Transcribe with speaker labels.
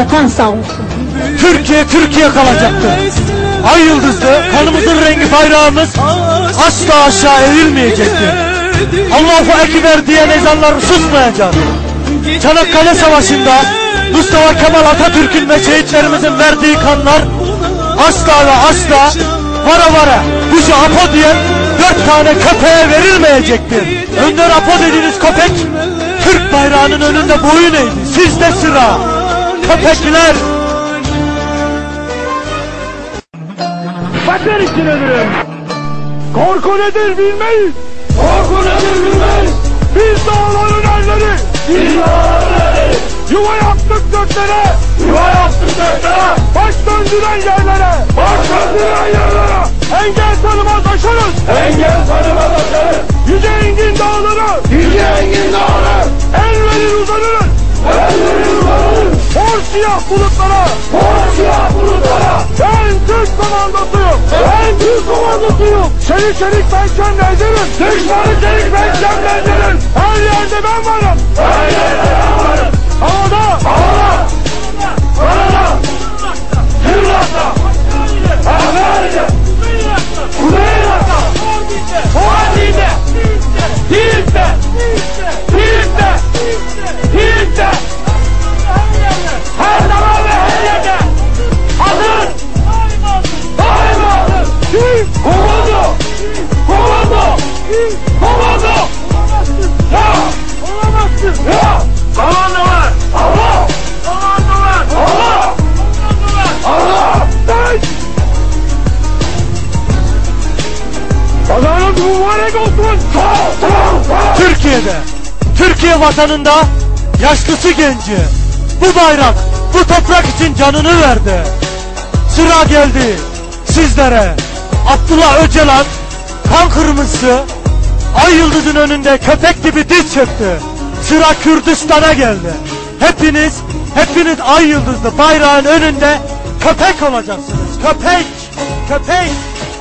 Speaker 1: Vatan sağ olsun.
Speaker 2: Türkiye, Türkiye kalacaktır. Ay yıldızlı, kanımızın rengi bayrağımız asla aşağı eğilmeyecektir. Allahu Ekber diyen ezanlar susmayacak. Çanakkale Savaşı'nda Mustafa Kemal Atatürk'ün ve şehitlerimizin verdiği kanlar asla ve asla vara vara kuşu Apo diyen 4 tane köpeğe verilmeyecektir. Önder Apo dediğiniz köpek Türk bayrağının önünde boyun eğdi. Sizde sıra köpekler.
Speaker 3: Vatan için ölürüm. Korku nedir bilmeyiz. Korku nedir bilmeyiz. Biz dağların erleri. Biz dağların erleri. Yuva yaptık göklere. Yuva yaptık göklere. Baş döndüren yerlere. Baş döndüren yerlere. Engel tanımaz aşarız. Engel tanımaz aşarız. Yüce engin dağları. Yüce engin dağları. El verir uzanırız. El verir uzanırız. Hor siyah bulutlara. Hor siyah bulutlara. Ben Türk komandosuyum. Ben Türk komandosuyum. Çelik çelik ben şemlendiririm. Düşmanı çelik ben şemlendiririm. Her yerde ben varım. Her yerde ben varım. Havada. Havada. Karada. Yırlakta. Hakkari'de. Kuzeyrak'ta. Fuadi'de. Dilip'te. Dilip'te. Dilip'te. Her zaman ve her yerde. Hazır. Daima hazır. Komando. Komando. Komando. Ya. Olamazsın. Ya. Komando var. Allah. Komando var. Allah. Komando var. Allah. Ben. Kazanız mübarek olsun.
Speaker 2: Türkiye'de, Türkiye vatanında yaşlısı genci bu bayrak, bu toprak için canını verdi. Sıra geldi sizlere. Abdullah Öcalan kan kırmızısı ay yıldızın önünde köpek gibi diz çöktü. Sıra Kürdistan'a geldi. Hepiniz ay yıldızlı bayrağın önünde köpek olacaksınız. Köpek, köpek.